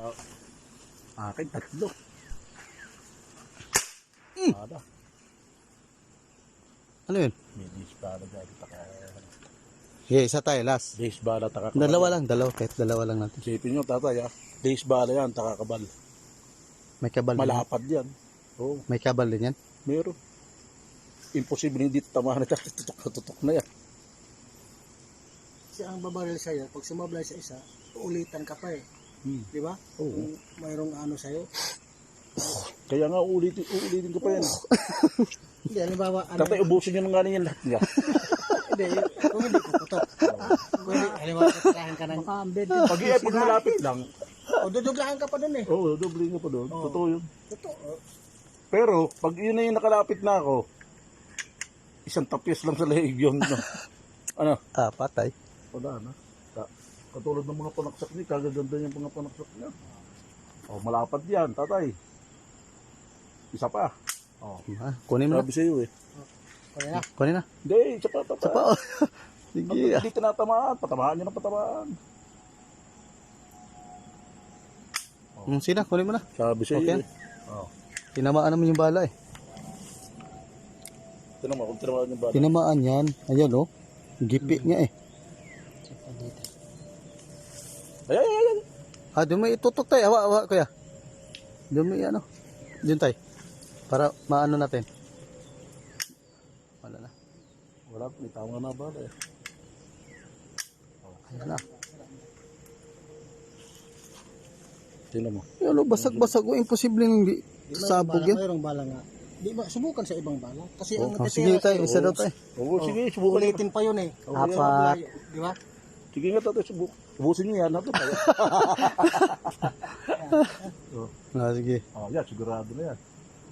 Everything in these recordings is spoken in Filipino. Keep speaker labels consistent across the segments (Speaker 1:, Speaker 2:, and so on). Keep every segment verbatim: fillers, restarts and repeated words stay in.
Speaker 1: Akin tatlo.
Speaker 2: Mm.
Speaker 1: Ada.
Speaker 2: Ano yun?
Speaker 1: May disbala dyan. Taka.
Speaker 2: Yeah, isa tayo, last.
Speaker 1: Disbala, taka.
Speaker 2: Dalawa lang, dalawa. Kahit dalawa lang natin.
Speaker 1: Sipin nyo, tatay, ah. Disbala yan, taka kabal.
Speaker 2: May kabal din yan.
Speaker 1: Malapad yan. Oo,
Speaker 2: May kabal din yan.
Speaker 1: meron. Imposible hindi tamahan ito. Tutok na tutok na yan.
Speaker 3: Kasi ang babaril sa'yo, pag sumablay sa isa, uulitan ka pa eh.
Speaker 1: Hmm.
Speaker 3: Di ba?
Speaker 1: Oo.
Speaker 3: Kung mayroong ano sa'yo.
Speaker 1: Kaya nga, uulitin, uulitin ko pa yan.
Speaker 3: Hindi, halimbawa, ano,
Speaker 1: Tatay, ubusin nyo ng nga yan lahat niya.
Speaker 3: hindi, kung hindi puputok. Kung hindi, halimbawa, katirahan ka ng ambed.
Speaker 1: Pag i-epod malapit lang,
Speaker 3: O, duduglahan ka pa dun eh.
Speaker 1: oo, oh, doble nga pa doon.
Speaker 3: Oo.
Speaker 1: Totoo yun.
Speaker 3: Totoo.
Speaker 1: Pero, pag yun na yung nakalapit na ako, isang tapis lang sa leeg yun. No? Ano?
Speaker 2: Ah, patay.
Speaker 1: Wala na. Ka- Katulad ng mga panaksak niya, kagaganda yung mga panaksak niya. Oh, malapad yan, tatay. Isa pa. Oh.
Speaker 2: Ah, kunin mo na.
Speaker 1: Sabi sa'yo eh.
Speaker 3: Kaya na.
Speaker 2: Kunin na.
Speaker 1: Hindi, isa pa, tatay.
Speaker 2: Isa pa. Oh.
Speaker 1: Pag
Speaker 2: Sige. ah.
Speaker 1: hindi tinatamaan, patamaan niya ng patamaan.
Speaker 2: Mm, sina, kunin mo na.
Speaker 1: Sabi sa'yo
Speaker 2: Okay.
Speaker 1: eh. Oh.
Speaker 2: Tinamaan naman yung bala eh.
Speaker 1: Tinan mo, kung tinamaan yung bata.
Speaker 2: Tinamaan yan. Ayan oh. Gipi niya eh.
Speaker 1: Ay, ay, ay, ay.
Speaker 2: Ah, doon may itutok tayo. Awa, awa, kuya. Doon may ano. Doon tayo. Para maano natin. Wala na.
Speaker 1: Wala, may tama na bala eh.
Speaker 2: Ayan na.
Speaker 1: Tinan mo.
Speaker 2: Yan oh, basag-basag. Oh, imposible hindi
Speaker 3: Di ba,
Speaker 2: sabog
Speaker 3: bala,
Speaker 2: yan.
Speaker 3: mayroong bala nga. Di ba, subukan sa ibang bala. Kasi ang
Speaker 2: Oh, sige
Speaker 3: natitira
Speaker 2: tayo.
Speaker 3: sa'yo,
Speaker 2: Isa daw tayo.
Speaker 1: Oo, sige, subukan niyo.
Speaker 3: ulitin pa yun eh.
Speaker 1: Oo,
Speaker 3: Kaya
Speaker 2: apat.
Speaker 3: malayo, Di ba?
Speaker 1: Sige nga, tatay, subuk. Ubusin niyo yan. Ito tayo. Oh.
Speaker 2: Ah, sige.
Speaker 1: Oh, yan, sigurado na yan.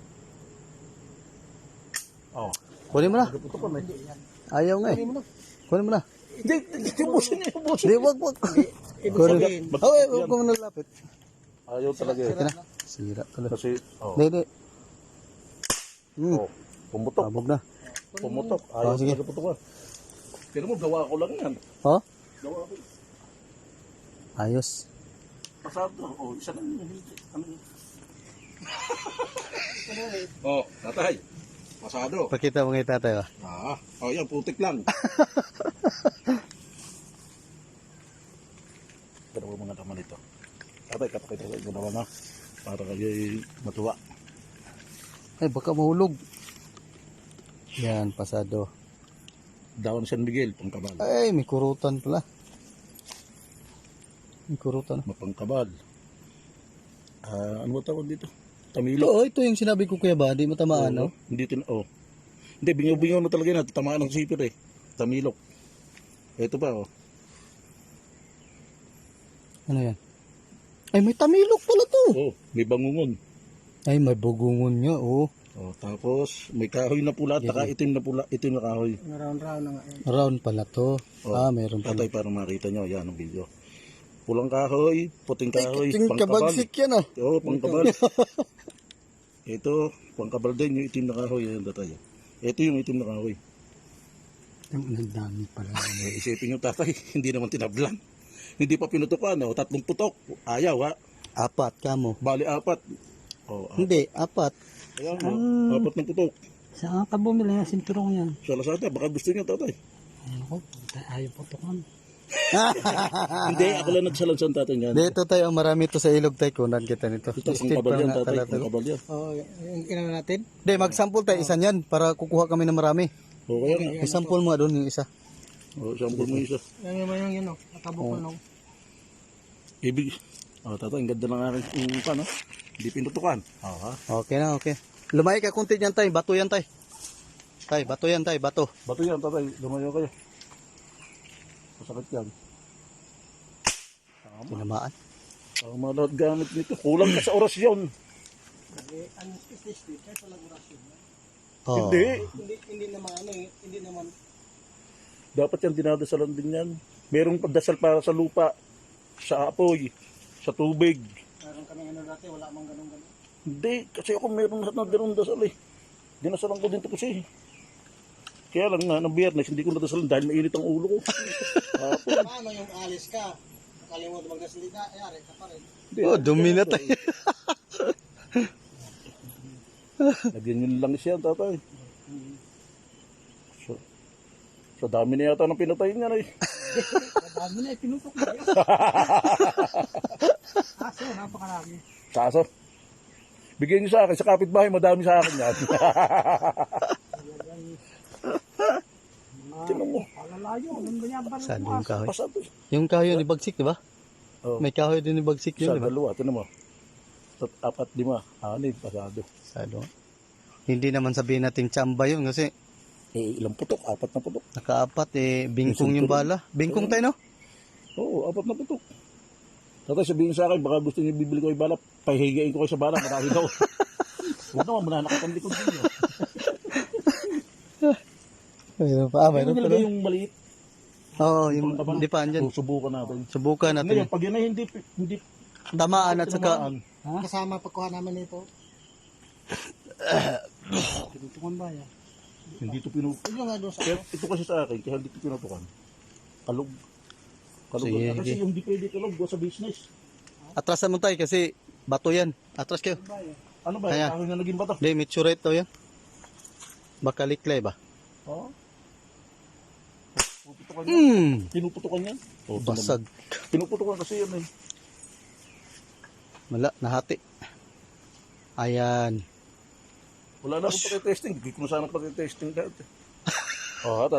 Speaker 1: Oh,
Speaker 2: Kunin mo na.
Speaker 1: ito pa na.
Speaker 2: Ayaw nga eh.
Speaker 3: Hindi mo na.
Speaker 2: Kunin mo na.
Speaker 1: Hindi, hindi, ubusin niyo, ubusin.
Speaker 2: Hindi, wag, wag.
Speaker 3: Ibig
Speaker 2: Kunin.
Speaker 3: sabihin,
Speaker 2: Oh, eh, wag ko mo nalapit.
Speaker 1: Ayaw talaga eh.
Speaker 2: Sige na. Sira talaga.
Speaker 1: Kasi, oh,
Speaker 2: Hindi, hindi. Hmm.
Speaker 1: oh, pumutok,
Speaker 2: Sabog na.
Speaker 1: pumutok. Ayaw
Speaker 2: Oh, sige.
Speaker 1: talaga putukan. Pero mo, gawa ko lang yan.
Speaker 2: Oh?
Speaker 1: Gawa ko.
Speaker 2: Ayos.
Speaker 1: Pasado. Oh, isa lang yung hindi. Ano yun? Oh, tatay. Pasado.
Speaker 2: Pakita mo ngay tatay. Oh.
Speaker 1: Ah, oh yan, putik lang. Dalawa mga naman ito. Tatay, kapakita ko yung dalawa na. Para kayo matuwa.
Speaker 2: Ay, baka mahulog. Yan, pasado.
Speaker 1: Daon San Miguel, pangkabal.
Speaker 2: Ay, may kurutan pala. May kurutan.
Speaker 1: Mapangkabal. Ah, ano ba tawag dito? Tamilo.
Speaker 2: Oo, ito yung sinabi ko kuya ba? Di mo tamaan, no?
Speaker 1: Hindi tin oh. Hindi, bingaw-bingaw na talaga na. Tamaan ng sipir eh. Tamilok. Ito pa oh.
Speaker 2: Ano yan? Ay, may tamilok pala to.
Speaker 1: Oh, may bangungon.
Speaker 2: Ay, may bugungon niya, oh.
Speaker 1: Oh, tapos may kahoy na pula, taka itim na pula, itim na kahoy.
Speaker 3: round-round na nga yun.
Speaker 2: Round pala to.
Speaker 1: Oh,
Speaker 2: Ah, mayroon pala.
Speaker 1: Tatay, para makita nyo, yan ang video. Pulang kahoy, puting
Speaker 2: Ay,
Speaker 1: kahoy,
Speaker 2: yung
Speaker 1: pangkabal.
Speaker 2: kabagsik yan, ah.
Speaker 1: Oo, oh, pangkabal. Ito, pangkabal din yung itim na kahoy. Yan, tatay. Ito yung itim na kahoy.
Speaker 2: Ang dami pala.
Speaker 1: Eh, isipin nyo, tatay, hindi naman tinablan. Hindi pa pinutukan, oh, tatlong putok. Ayaw, ha?
Speaker 2: Apat ka mo.
Speaker 1: Bali, apat. Oh, apat.
Speaker 2: Hindi, apat.
Speaker 1: Ayan, oh, apat ng putok.
Speaker 3: Saan ka bumili ng sinturong yan?
Speaker 1: Sa Lazada, baka gusto nyo, tatay.
Speaker 3: Ako, ayaw putokan.
Speaker 1: Hindi, ako lang nagsalansan, tatay, yan.
Speaker 2: Dito tayo, marami to sa ilog tayo. Kunan kita nito.
Speaker 1: Ito,
Speaker 2: Steve
Speaker 1: pangkabal
Speaker 2: pa
Speaker 1: yan,
Speaker 2: nga
Speaker 1: tatay.
Speaker 2: talaga.
Speaker 1: Pangkabal yan.
Speaker 3: Oo, yung inano natin.
Speaker 2: Hindi, mag-sample tayo isa niyan para kukuha kami ng marami.
Speaker 1: O, kaya nga.
Speaker 2: I-sample mo doon yung isa.
Speaker 1: O, sample mo isa.
Speaker 3: Yan yung yung yun, oh. Natabok ko nung.
Speaker 1: Ibig. Oh, tatay, ang ganda ng aking yung pan, no? Hindi pinutukan. Oo, ha?
Speaker 2: Okay na, okay. Lumay ka kunti yan tay, bato yan tay. Tay, bato yan tay, bato.
Speaker 1: Bato yan, tatay. Lumayo kayo. Masakit yan. Tama.
Speaker 2: Tinamaan.
Speaker 1: Tama na gamit nito. Kulang ka sa orasyon.
Speaker 3: Kasi, ang ististy, kahit walang orasyon.
Speaker 2: Oh.
Speaker 1: Hindi.
Speaker 3: Hindi, hindi naman, ano eh, hindi naman.
Speaker 1: Dapat yan dinadasalan din yan. Merong pagdasal para sa lupa, sa apoy, sa tubig.
Speaker 3: Meron kami ano dati, wala mang ganun-ganun.
Speaker 1: Hindi, kasi ako meron na ganun dasal eh. Dinasalan ko din ito kasi. Kaya lang nga, ng biyernes, hindi ko nadasalan dahil mainit ang ulo ko. Hapon.
Speaker 3: Paano yung alis ka? Kalimutan magkasalita, ayari ka pa rin.
Speaker 1: Hindi,
Speaker 2: Oh,
Speaker 1: ayos
Speaker 2: dumi
Speaker 1: yan,
Speaker 2: na
Speaker 1: tatay. Lagyan yun lang siya, tatay. So, so dami na yata ng pinatay niya na eh.
Speaker 3: Dami na, pinutok na yun. Aso, napakarami.
Speaker 1: Kaso, bigyan niyo sa akin, sa kapitbahay, madami sa akin yan. Tinan mo.
Speaker 3: Palalayo, anong ganyan ba?
Speaker 2: Saan yung kahoy?
Speaker 1: Pasado.
Speaker 2: Yung kahoy ni Bagsik, di ba?
Speaker 1: Oh,
Speaker 2: May kahoy din ni Bagsik
Speaker 1: isa,
Speaker 2: yun, di ba?
Speaker 1: dalawa, tinan mo. Tat, apat, lima, anim, pasado.
Speaker 2: Sado. Hindi naman sabihin natin tsamba yun kasi
Speaker 1: Eh, ilang putok? Apat na putok.
Speaker 2: nakaapat eh, bingkong yung bala. Bingkong tayo, no?
Speaker 1: Oo, apat na putok. Tatay, sabihin sa akin, baka gusto niyo bibili ko yung bala, pahihigain ko kayo sa bala, marami daw. Huwag naman, mananakot ang likod niyo.
Speaker 2: Mayroon pa, ah,
Speaker 1: Pero
Speaker 2: mayroon pa.
Speaker 1: nilagay
Speaker 2: no?
Speaker 1: yung maliit.
Speaker 2: Oo, yung hindi pa andyan.
Speaker 1: So, subukan natin.
Speaker 2: Subukan
Speaker 1: Ngayon,
Speaker 2: natin.
Speaker 1: pag yun ay hindi, hindi
Speaker 2: Tamaan at saka,
Speaker 1: tinamaan,
Speaker 3: Kasama pagkuha namin nito. Tinutukan ba yan?
Speaker 1: hindi ito pinutukan.
Speaker 3: Ito nga doon sa...
Speaker 1: Kaya ito kasi sa akin, kaya hindi ito pinutukan. Kalog. Kalog.
Speaker 2: Sige.
Speaker 1: na. Kasi yung hindi pwede kalog, go sa business.
Speaker 2: atrasan mo tayo kasi bato yan. Atras kayo.
Speaker 1: Ano ba,
Speaker 2: Kaya.
Speaker 1: yung na naging bata?
Speaker 2: Hindi, meteorite daw yan. Baka liklay ba?
Speaker 1: Oo. Pinuputukan yan.
Speaker 2: Hmm,
Speaker 1: Pinuputukan yan. Oh, ito naman.
Speaker 2: basag.
Speaker 1: Pinuputukan kasi yan eh.
Speaker 2: Wala, nahati. Ayan.
Speaker 1: Wala na akong pakitesting. Hindi ko na sana pakitesting dati. Oh,